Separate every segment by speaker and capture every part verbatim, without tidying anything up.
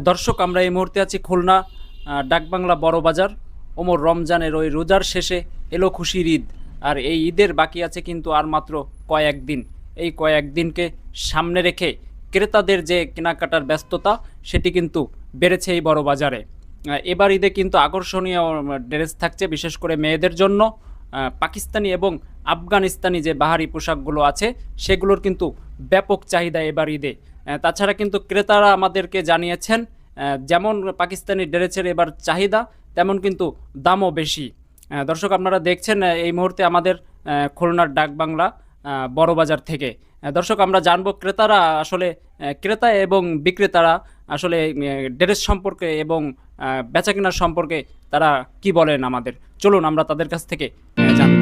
Speaker 1: দর্শক, আমরা এই মুহূর্তে আছি খুলনা ডাকবাংলা বড় বাজার। ওমর রমজানের ওই রোজার শেষে এলো খুশির ঈদ, আর এই ঈদের বাকি আছে কিন্তু আর মাত্র কয়েকদিন। এই কয়েকদিনকে সামনে রেখে ক্রেতাদের যে কেনাকাটার ব্যস্ততা সেটি কিন্তু বেড়েছে এই বড় বাজারে। এবার ঈদে কিন্তু আকর্ষণীয় ড্রেস থাকছে, বিশেষ করে মেয়েদের জন্য। পাকিস্তানি এবং আফগানিস্তানি যে বাহারি পোশাকগুলো আছে সেগুলোর কিন্তু ব্যাপক চাহিদা এবার ঈদে। তাছাড়া কিন্তু ক্রেতারা আমাদেরকে জানিয়েছেন যেমন পাকিস্তানি ড্রেসের এবার চাহিদা, তেমন কিন্তু দামও বেশি। দর্শক, আপনারা দেখছেন এই মুহূর্তে আমাদের খুলনার ডাকবাংলা বড় বাজার থেকে। দর্শক, আমরা জানবো ক্রেতারা আসলে ক্রেতা এবং বিক্রেতারা আসলে ড্রেস সম্পর্কে এবং বেচাকেনার সম্পর্কে তারা কি বলেন আমাদের। চলুন আমরা তাদের কাছ থেকে জানবো।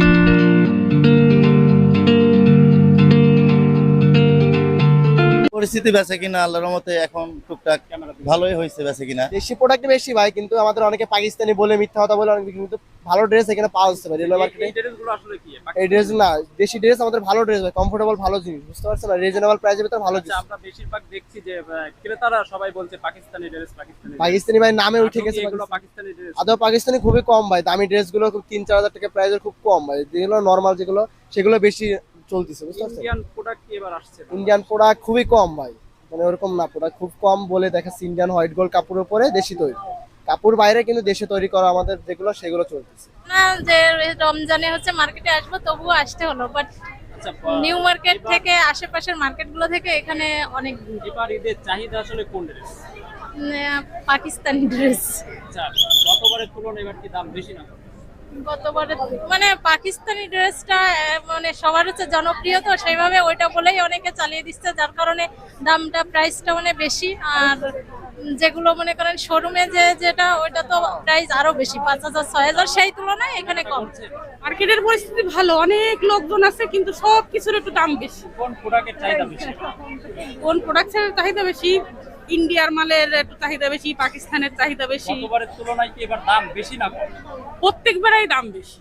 Speaker 2: পরিস্থিতি বেচে কিনা আল্লাহর রহমতে এখন টুকটাক ভালোই হয়েছে বেচে কিনা।
Speaker 3: দেশি প্রোডাক্ট বেশি ভাই, কিন্তু আমাদের অনেকে পাকিস্তানি বলে মিথ্যা কথা বলে অনেক কিন্তু ভালো ড্রেস এখানে পাওয়া যাচ্ছে ভাই রেলওয়ে মার্কেটে।
Speaker 1: এই ড্রেসগুলো আসলে কি?
Speaker 3: এই ড্রেস না, দেশি ড্রেস আমাদের ভালো ড্রেস ভাই, কমফোর্টেবল ভালো জিনিস, বুঝতে পারছেন না, রিজনেবল প্রাইসের ভিতরে ভালো জিনিস।
Speaker 1: আমরা বেশিরভাগ দেখছি যে ক্রেতারা সবাই বলছে পাকিস্তানি ড্রেস পাকিস্তানি
Speaker 3: পাকিস্তানি ভাই নামে উঠে গেছে
Speaker 1: এগুলো পাকিস্তানি ড্রেস।
Speaker 3: আদৌ পাকিস্তানি খুবই কম ভাই, দামি ড্রেসগুলো খুব তিন চার হাজার টাকা প্রাইসের খুব কম ভাই, যেগুলো নরমাল যেগুলো সেগুলো বেশি চলতেছে, বুঝতে পারছেন।
Speaker 1: ইন্ডিয়ান প্রোডাক্ট কি এবার আসছে?
Speaker 3: ইন্ডিয়ান প্রোডাক্ট খুবই কম ভাই, মানে ওরকম না, প্রোডাক্ট খুব কম বলে দেখাচ্ছে। ইন্ডিয়ান হোয়াইট গোল্ড কাপড়ের উপরে দেশি তৈরি, কাপড় বাইরে কিন্তু দেশে তৈরি করা আমাদের যেগুলো সেগুলো চলতেছে
Speaker 4: না। যে রমজানে হচ্ছে মার্কেটে আসবো তবুও আসতে হলো, বাট নিউ মার্কেট থেকে আশেপাশের মার্কেটগুলো থেকে এখানে অনেক দূর।
Speaker 1: এবার ঈদের চাহিদা আসলে কোন ড্রেস?
Speaker 4: পাকিস্তানি ড্রেস
Speaker 1: আচ্ছা, গতবারের তুলনায় এবার কি দাম বেশি না?
Speaker 4: গতবারে মানে পাকিস্তানি ড্রেসটা মানে সবার হচ্ছে জনপ্রিয়, তো সেইভাবে ওইটা বলেই অনেকে চালিয়ে দিচ্ছে, যার কারণে দামটা প্রাইসটা মানে বেশি। আর যেগুলো মনে করেন শোরুমে যে যেটা ওইটা তো প্রাইস আরো বেশি, পাঁচ হাজার ছয় হাজার, সেই তুলনায় এখানে কম।
Speaker 5: মার্কেটের পরিস্থিতি ভালো, অনেক লোকজন আছে, কিন্তু সব কিছুর একটু দাম বেশি।
Speaker 1: কোন প্রোডাক্টের চাহিদা বেশি?
Speaker 5: কোন প্রোডাক্টের চাহিদা বেশি? ইন্ডিয়ার মালের একটু চাহিদা বেশি, পাকিস্তানের চাহিদা বেশি।
Speaker 1: গতবারের তুলনায় কি এবার দাম বেশি না কম?
Speaker 5: প্রত্যেকবারই দাম বেশি।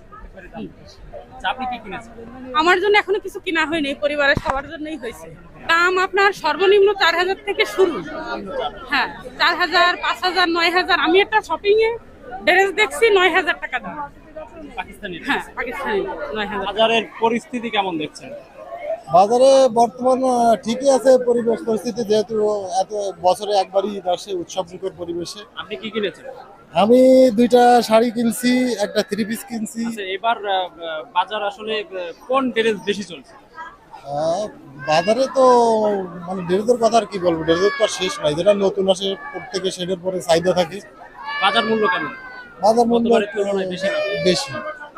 Speaker 1: আচ্ছা, আপনি কি কিনেছেন?
Speaker 5: আমার জন্য এখনো কিছু কিনা হয়নি, পরিবারের সবার জন্যই হয়েছে। দাম আপনার সর্বনিম্ন চার হাজার থেকে শুরু। হ্যাঁ, চার হাজার, পাঁচ হাজার, নয় হাজার। আমি একটা শপিং এ ড্রেস দেখছি নয় হাজার টাকা দাম
Speaker 1: পাকিস্তানি।
Speaker 5: হ্যাঁ, পাকিস্তানি নয় হাজার।
Speaker 1: বাজারের পরিস্থিতি কেমন দেখছেন?
Speaker 6: বাজারে বর্তমান ঠিকই আছে পরিবেশ পরিস্থিতি, যেহেতু এত বছরে একবারই ঈদ আসে উৎসব মুখর পরিবেশে।
Speaker 1: আপনি কি কিনেছেন?
Speaker 6: আমি দুইটা শাড়ি কিনছি, একটা থ্রি পিস কিনছি।
Speaker 1: আচ্ছা, এবার বাজার আসলে কোন ড্রেস বেশি চলছে?
Speaker 6: আহ, বাজারে তো মানে ড্রেসের কথা আর কি বলবো, ড্রেসের তো আর শেষ নাই, যেটা নতুন আসে প্রত্যেকে সেটার পরে চাহিদা থাকে।
Speaker 1: বাজার মূল্য কেমন?
Speaker 6: বাজার মূল্য
Speaker 1: গতবারের তুলনায় বেশি না?
Speaker 6: বেশি।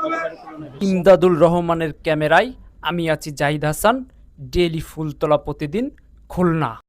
Speaker 1: ইমদাদুল রহমানের ক্যামেরায় আমি আছি জাহিদ হাসান, ডেইলি ফুলতলা প্রতিদিন, খুলনা।